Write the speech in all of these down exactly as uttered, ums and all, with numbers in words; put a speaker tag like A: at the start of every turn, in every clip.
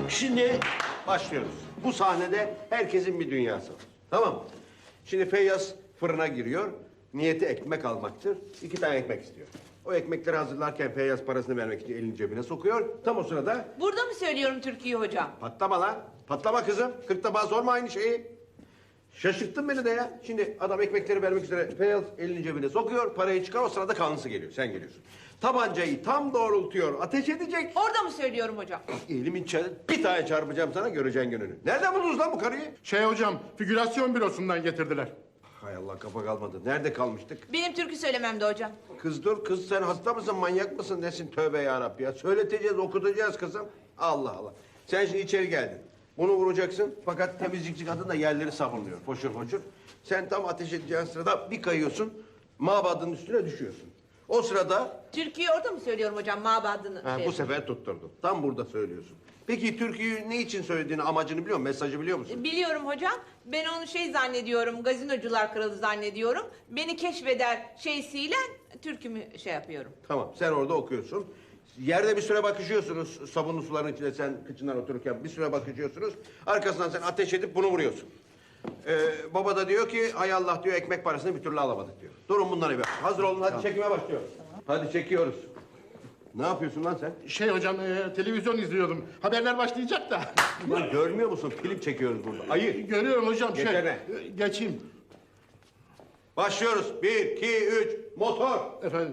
A: Şimdi başlıyoruz. Bu sahnede herkesin bir dünyası var. Tamam mı? Şimdi Feyyaz fırına giriyor. Niyeti ekmek almaktır. İki tane ekmek istiyor. O ekmekleri hazırlarken Feyyaz parasını vermek için elini cebine sokuyor. Tam o sırada...
B: Burada mı söylüyorum türküyü hocam?
A: Patlama lan. Patlama kızım. Kırk defa sorma aynı şeyi. Şaşırttın beni de ya. Şimdi adam ekmekleri vermek üzere Feyyaz elini cebine sokuyor. Parayı çıkar, o sırada kanlısı geliyor. Sen geliyorsun. Tabancayı tam doğrultuyor. Ateş edecek.
B: Orada mı söylüyorum hocam?
A: Elimin çarı bir tane çarpacağım sana, göreceksin gününü. Nereden buldunuz lan bu karıyı?
C: Şey hocam, figürasyon bürosundan getirdiler.
A: Hay Allah, kafa kalmadı. Nerede kalmıştık?
B: Benim türkü söylememde hocam.
A: Kız dur, kız sen hasta mısın, manyak mısın, nesin? Tövbe yarabbi ya. Söyleteceğiz, okutacağız kızım. Allah Allah. Sen şimdi içeri geldin. Bunu vuracaksın fakat temizlikçi kadın da yerleri sabunluyor. Foşur foşur. Sen tam ateş edeceğin sırada bir kayıyorsun. Mabadın üstüne düşüyorsun. O sırada...
B: Türküyü orada mı söylüyorum hocam mabadını?
A: Ha,
B: şey-
A: bu sefer tutturdum. Tam burada söylüyorsun. Peki türküyü ne için söylediğini, amacını biliyor musun? Mesajı biliyor musun?
B: Biliyorum hocam. Ben onu şey zannediyorum, gazinocular kralı zannediyorum. Beni keşfeder şeysiyle türkümü şey yapıyorum.
A: Tamam, sen orada okuyorsun. Yerde bir süre bakışıyorsunuz, sabunlu suların içinde sen kıçından otururken bir süre bakışıyorsunuz. Arkasından sen ateş edip bunu vuruyorsun. Ee, baba da diyor ki, hay Allah diyor, ekmek parasını bir türlü alamadık diyor. Durun bunları bir. Hazır olun, hadi çekime başlıyoruz. Hadi çekiyoruz. Ne yapıyorsun lan sen?
C: Şey hocam, e, televizyon izliyordum. Haberler başlayacak da.
A: Lan görmüyor musun? Film çekiyoruz burada. Ayı.
C: Görüyorum hocam. Şey,
A: Geçene.
C: e, geçeyim.
A: Başlıyoruz. Bir, iki, üç, motor.
C: Efendim.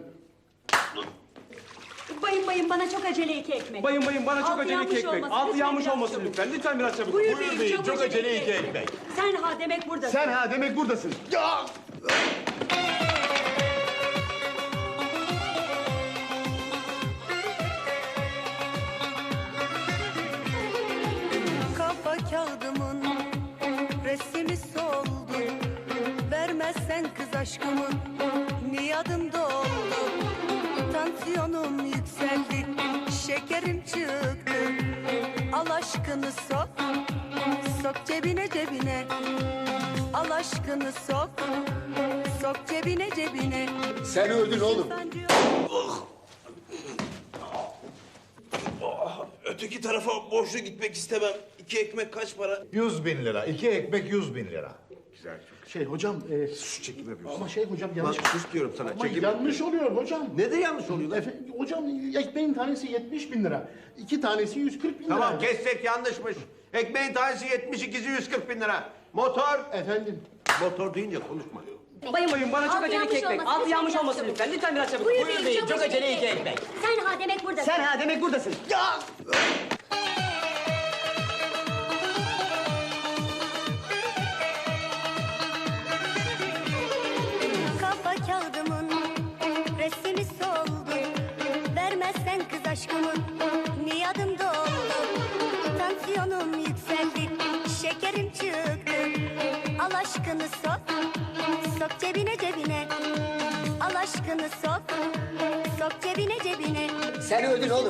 D: Bayım bayım bana çok acele iki ekmek.
E: Bayım bayım bana çok
D: Altı
E: acele
D: yanmış
E: iki ekmek.
D: olmasın,
E: Altı
D: lütfen
E: yanmış
D: biraz
E: olmasın
D: çabuk.
E: lütfen. Lütfen biraz çabuk.
D: Buyur,
E: Buyur
D: beyim, çok, acele iki
E: ekmek.
D: Sen ha demek buradasın.
E: Sen ha demek buradasın. Ya!
F: Kafa kağıdımın resmi soldu. Vermezsen kız aşkımın niyadım doldu. Tansiyonum yükseldi, şekerim çıktı. Al aşkını sok, sok cebine cebine. Al aşkını sok, sok cebine cebine.
E: Sen öldün oğlum.
G: Öteki tarafa borçlu gitmek istemem. İki ekmek kaç para?
H: Yüz bin lira. İki ekmek yüz bin lira.
A: Güzel, çok.
C: Şey hocam, e,
A: Sus, çekim yapıyorsun.
C: ama şey hocam
A: Lan
C: yanlış.
A: sus diyorum sana.
C: Ama
A: Çekim
C: yanlış oluyor hocam.
A: Ne de yanlış oluyor lan?
C: Efe, hocam ekmeğin tanesi yetmiş bin lira. İki tanesi yüz kırk bin lira.
A: Tamam, kessek yanlışmış. Ekmeğin tanesi yetmiş, ikisi yüz kırk bin lira. Motor.
C: Efendim.
A: Motor deyince konuşma.
E: Bayım bayım bana çok
D: Altı
E: acele iki
D: yanmış
E: ekmek.
D: olmasın,
E: Altı
D: lütfen
E: yanmış
D: biraz
E: olmasın
D: çabuk.
E: lütfen. Lütfen biraz çabuk.
D: Buyur beyim, çok, acele iki
E: ekmek.
D: Sen ha demek buradasın.
E: Sen ha demek buradasın. Ya!
F: Kafa kağıdımın resmi soldu. Vermezsen kız aşkımın niyadım doldu. Tansiyonum yükseldi, şekerim çıktı. Al aşkını sok, sok cebine cebine. Al aşkını sok, sok cebine cebine.
E: Sen öldün oğlum.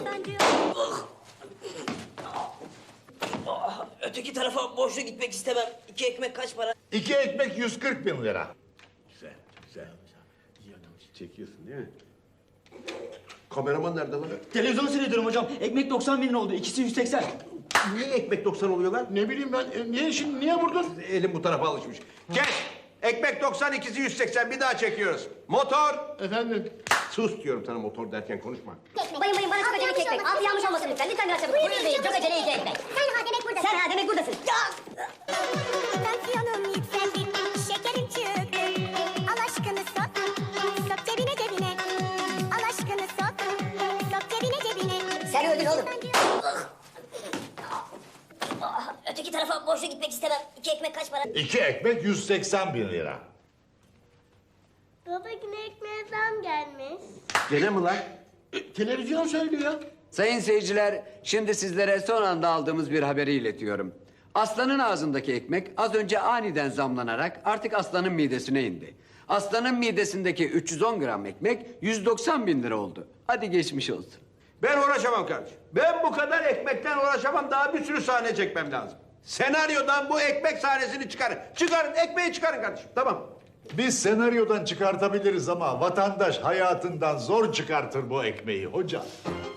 G: Öteki tarafa borçlu gitmek istemem. İki ekmek kaç para?
H: İki ekmek yüz kırk bin lira.
A: Güzel, güzel. Çekiyorsun değil mi? Kameraman nerede lan?
E: Televizyonu seyrediyorum hocam. Ekmek doksan bin lira oldu. İkisi yüz seksen.
A: Niye ekmek doksan oluyor lan?
C: Ne bileyim ben, e, niye şimdi, niye vurdun?
A: Elim bu tarafa alışmış. Kes! Ekmek doksan, ikisi yüz seksen. Bir daha çekiyoruz. Motor!
C: Efendim.
A: Sus diyorum sana, motor derken konuşma.
D: Bayım bayım bana çok acele iki ekmek. Altı yanmış olmasın lütfen. Lütfen biraz çabuk. Buyur beyim, çok acele iki ekmek. Sen ha demek buradasın. Sen ha demek buradasın.
F: Tansiyonum yükseldi, şekerim çıktı. Al aşkını sok, sok cebine cebine. Al aşkını sok, sok cebine cebine.
D: Sen öldün oğlum.
F: Öteki tarafa borçlu gitmek istemem. İki ekmek kaç para?
H: İki ekmek yüz seksen bin lira.
F: Baba yine ekmeğe zam gelmiş.
A: Gene mi lan?
C: E, televizyon söylüyor.
I: Sayın seyirciler, şimdi sizlere son anda aldığımız bir haberi iletiyorum. Aslanın ağzındaki ekmek az önce aniden zamlanarak artık aslanın midesine indi. Aslanın midesindeki üç yüz on gram ekmek yüz doksan bin lira oldu. Hadi geçmiş olsun.
A: Ben uğraşamam kardeşim. Ben bu kadar ekmekten uğraşamam. Daha bir sürü sahne çekmem lazım. Senaryodan bu ekmek sahnesini çıkarın. Çıkarın, ekmeği çıkarın kardeşim. Tamam.
H: Biz senaryodan çıkartabiliriz ama vatandaş hayatından zor çıkartır bu ekmeği hocam.